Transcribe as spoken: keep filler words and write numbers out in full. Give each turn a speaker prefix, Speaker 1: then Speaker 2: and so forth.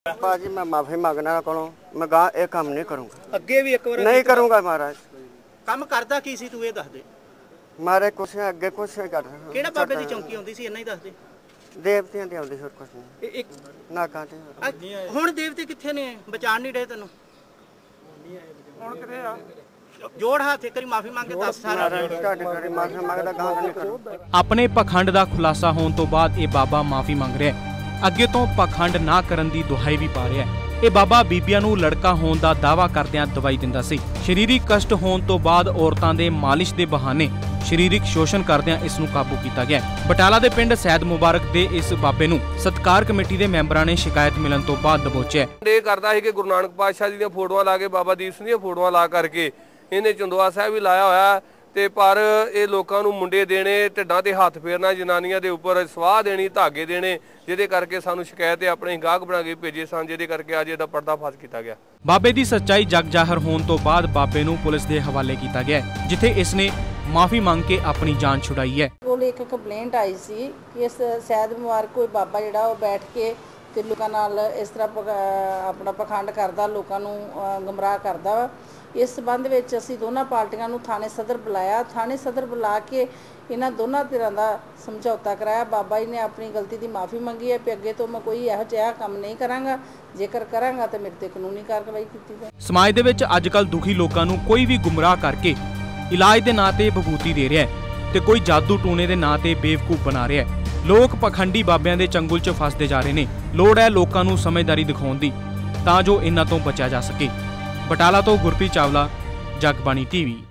Speaker 1: भाजी मैं माफी मांगना को मैं गा ये काम नहीं करूँगा।
Speaker 2: ਅੱਗੇ ਵੀ ਇੱਕ ਵਾਰ
Speaker 1: नहीं करूँगा महाराज।
Speaker 2: ਕੰਮ ਕਰਦਾ ਕੀ ਸੀ ਤੂੰ ਇਹ ਦੱਸ ਦੇ।
Speaker 1: मारे कुछ अगे कुछ नहीं कर रहा।
Speaker 2: ਕਿਹੜਾ ਬਾਬੇ ਦੀ ਚੌਂਕੀ ਆਉਂਦੀ ਸੀ ਇੰਨਾ ਹੀ ਦੱਸ ਦੇ।
Speaker 1: देवतियां दी आउंदी होर कुछ नहीं।
Speaker 2: ਇਹ ਇੱਕ
Speaker 1: ना काटे
Speaker 2: ਹੁਣ ਦੇਵਤੇ ਕਿੱਥੇ ਨੇ ਬਚਾਣ ਨਹੀਂ ਰਹੇ ਤੈਨੂੰ। ਹੁਣ ਕਿੱਥੇ ਆ ਜੋੜ ਹੱਥ ਇੱਕ ਵਾਰੀ ਮਾਫੀ ਮੰਗ ਕੇ ਦੱਸ ਸਾਰਾ।
Speaker 1: ਤੁਹਾਡੇ ਘਰੇ ਮਾਫੀ ਮੰਗਦਾ ਗਾ ਨਹੀਂ ਕਰੂੰ।
Speaker 3: ਆਪਣੇ ਪਖੰਡ ਦਾ ਖੁਲਾਸਾ ਹੋਣ ਤੋਂ ਬਾਅਦ ਇਹ ਬਾਬਾ ਮਾਫੀ ਮੰਗ ਰਿਹਾ ਹੈ। ਅੱਗੇ ਤੋਂ ਪਖੰਡ ਨਾ ਕਰਨ ਦੀ ਦੁਹਾਈ ਵੀ ਪਾ ਰਿਹਾ ਹੈ। ਇਹ ਬਾਬਾ ਬੀਬੀਆਂ ਨੂੰ ਲੜਕਾ ਹੋਣ ਦਾ ਦਾਅਵਾ ਕਰਦਿਆਂ ਦਵਾਈ ਦਿੰਦਾ ਸੀ। ਸਰੀਰਕ ਕਸ਼ਟ ਹੋਣ ਤੋਂ ਬਾਅਦ ਔਰਤਾਂ ਦੇ ਮਾਲਿਸ਼ ਦੇ ਬਹਾਨੇ ਸਰੀਰਕ ਸ਼ੋਸ਼ਣ ਕਰਦਿਆਂ ਇਸ ਨੂੰ ਕਾਬੂ ਕੀਤਾ ਗਿਆ। ਬਟਾਲਾ ਦੇ ਪਿੰਡ ਸੈਦ ਮੁਬਾਰਕ ਦੇ ਇਸ ਬਾਬੇ ਨੂੰ ਸਤਕਾਰ ਕਮੇਟੀ ਦੇ ਮੈਂਬਰਾਂ ਨੇ ਸ਼ਿਕਾਇਤ ਮਿਲਣ ਤੋਂ ਬਾਅਦ ਦਬੋਚਿਆ।
Speaker 4: ਇਹ ਕਰਦਾ ਸੀ ਕਿ ਗੁਰੂ ਨਾਨਕ ਪਾਤਸ਼ਾਹ ਜੀ ਦੀਆਂ ਫੋਟੋਆਂ ਲਾ ਕੇ ਬਾਬਾ ਦੀਪ ਸਿੰਘ ਦੀਆਂ ਫੋਟੋਆਂ ਲਾ ਕਰਕੇ ਇਹਨੇ ਚੰਦੋਆ ਸਾਹਿਬ ਵੀ ਲਾਇਆ ਹੋਇਆ ਤੇ ਪਰ ਇਹ ਲੋਕਾਂ ਨੂੰ ਮੁੰਡੇ ਦੇਣੇ ਢਿੱਡਾਂ ਤੇ ਹੱਥ ਫੇਰਨਾ ਜਨਾਨੀਆਂ ਦੇ ਉੱਪਰ ਸਵਾਹ ਦੇਣੀ ਧਾਗੇ ਦੇਣੇ ਜਿਹਦੇ ਕਰਕੇ ਸਾਨੂੰ ਸ਼ਿਕਾਇਤ ਆਪਣੇ ਗਾਹਕ ਬਣਾ ਕੇ ਭੇਜੇ ਸਨ ਜਿਹਦੇ ਕਰਕੇ ਅੱਜ ਇਹਦਾ ਪਰਦਾਫਾਸ਼ ਕੀਤਾ ਗਿਆ। ਬਾਬੇ
Speaker 3: ਦੀ ਸੱਚਾਈ ਜਗ ਜ਼ਾਹਰ ਹੋਣ ਤੋਂ ਬਾਅਦ ਬਾਬੇ ਨੂੰ ਪੁਲਿਸ ਦੇ ਹਵਾਲੇ ਕੀਤਾ ਗਿਆ ਜਿੱਥੇ ਇਸ ਨੇ ਮਾਫੀ ਮੰਗ ਕੇ ਆਪਣੀ ਜਾਨ ਛੁਡਾਈ ਹੈ।
Speaker 5: ਕੋਲ ਇੱਕ ਕੰਪਲੇਂਟ ਆਈ ਸੀ ਕਿ ਇਸ ਸੈਦ ਮੁਬਾਰਕ ਕੋਈ ਬਾਬਾ ਜਿਹੜਾ ਉਹ ਬੈਠ ਕੇ ਤੇ ਲੋਕਾਂ ਨਾਲ ਇਸ ਤਰ੍ਹਾਂ ਆਪਣਾ ਪਖੰਡ ਕਰਦਾ ਲੋਕਾਂ ਨੂੰ ਗਮਰਾਹ ਕਰਦਾ ਵਾ। ਇਸ ਸੰਬੰਧ ਵਿੱਚ ਅਸੀਂ ਦੋਨਾਂ ਪਾਰਟੀਆਂ ਨੂੰ ਥਾਣੇ ਸਦਰ ਬੁਲਾਇਆ। ਥਾਣੇ ਸਦਰ ਬੁਲਾ ਕੇ ਇਹਨਾਂ ਦੋਨਾਂ ਧਿਰਾਂ ਦਾ ਸਮਝੌਤਾ ਕਰਾਇਆ। ਬਾਬਾ ਜੀ ਨੇ ਆਪਣੀ ਗਲਤੀ ਦੀ ਮਾਫੀ ਮੰਗੀ ਹੈ ਕਿ ਅੱਗੇ ਤੋਂ ਮੈਂ ਕੋਈ ਇਹੋ ਜਿਹਾ ਕੰਮ ਨਹੀਂ ਕਰਾਂਗਾ, ਜੇਕਰ ਕਰਾਂਗਾ ਤਾਂ ਮੇਰੇ ਤੇ ਕਾਨੂੰਨੀ ਕਾਰਵਾਈ ਕੀਤੀ ਜਾਵੇ।
Speaker 3: ਸਮਾਜ ਦੇ ਵਿੱਚ ਅੱਜਕੱਲ ਦੁਖੀ ਲੋਕਾਂ ਨੂੰ ਕੋਈ ਵੀ ਗੁੰਮਰਾਹ ਕਰਕੇ ਇਲਾਜ ਦੇ ਨਾਂ ਤੇ ਬਭੂਤੀ ਦੇ ਰਿਹਾ ਹੈ ਤੇ ਕੋਈ ਜਾਦੂ ਟੂਣੇ ਦੇ ਨਾਂ ਤੇ ਬੇਵਕੂਫ ਬਣਾ ਰਿਹਾ ਹੈ। ਲੋਕ ਪਖੰਡੀ ਬਾਬਿਆਂ ਦੇ ਚੰਗੁਲ 'ਚ ਫਸਦੇ ਜਾ ਰਹੇ ਨੇ। ਲੋੜ ਹੈ ਲੋਕਾਂ ਨੂੰ ਸਮਝਦਾਰੀ ਦਿਖਾਉਣ ਦੀ ਤਾਂ ਜੋ ਇਹਨਾਂ ਤੋਂ ਬਚਿਆ ਜਾ ਸਕੇ। ਬਟਾਲਾ ਤੋਂ ਗੁਰਪ੍ਰੀਤ ਚਾਵਲਾ, ਜਗਬਾਣੀ ਟੀਵੀ।